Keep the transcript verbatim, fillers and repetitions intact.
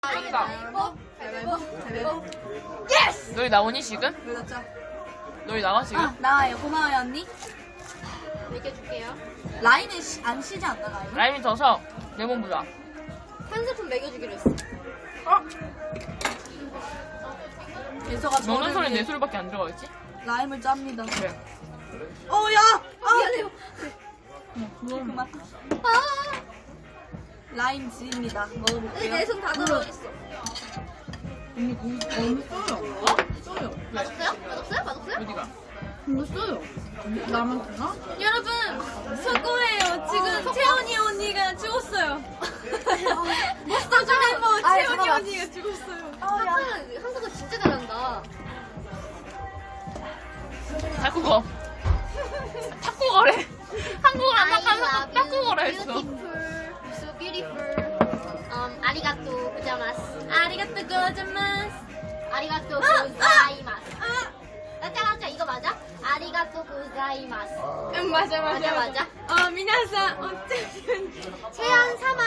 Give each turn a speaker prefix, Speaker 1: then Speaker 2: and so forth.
Speaker 1: 가위바위보, 가위바위보, 가위바위보.
Speaker 2: 예스! 너희 나오니 지금?
Speaker 1: 그렇죠.
Speaker 2: 너희 나와 지금?
Speaker 1: 아, 나와요. 고마워요, 언니.
Speaker 3: 먹여줄게요.
Speaker 1: 라임은 시- 안 쉬지 않나, 라임?
Speaker 2: 라임이 더서 레몬 부자.
Speaker 3: 한 스푼 먹여주기로 했어.
Speaker 1: 예서가
Speaker 2: 너는
Speaker 1: 저를
Speaker 2: 소리
Speaker 1: 위해
Speaker 2: 내 소리밖에 안 들어가 있지?
Speaker 1: 라임을 짭니다.
Speaker 2: 그래.
Speaker 1: 어, 야! 아!
Speaker 3: 미안해요.
Speaker 1: 그만.
Speaker 3: 아,
Speaker 1: 라임 지입니다.
Speaker 3: 근데
Speaker 1: 먹어볼게요.
Speaker 3: 내 손 다 들어있어.
Speaker 1: 언니, 고기 너무 써요.
Speaker 2: 어?
Speaker 1: 써요.
Speaker 3: 맛없어요? 맛없어요? 맛없어요?
Speaker 2: 어디가?
Speaker 1: 이거 써요. 나만 되나?
Speaker 4: 여러분 속고해요. 지금 채원이 언니가 죽었어요. 몬스터 멤버
Speaker 1: 아,
Speaker 4: 채원이
Speaker 1: 잠깐만.
Speaker 4: 언니가 죽었어요.
Speaker 3: 한국은, 한국은 진짜 잘한다.
Speaker 2: 탁구거. 탁구거래. 한국을 안 나가면 탁구거라 했어.
Speaker 3: Beautiful, so beautiful. Um, 아리가또 고자마스.
Speaker 4: 아리가또 고자마스.
Speaker 3: 아리가또 고자이마스. 맞아 맞아 이거 맞아? 아리가또 고자이마스.
Speaker 4: 응 맞아 맞아
Speaker 3: 맞아 맞아.
Speaker 4: 어 미나사 어쩌면
Speaker 3: 최연 삼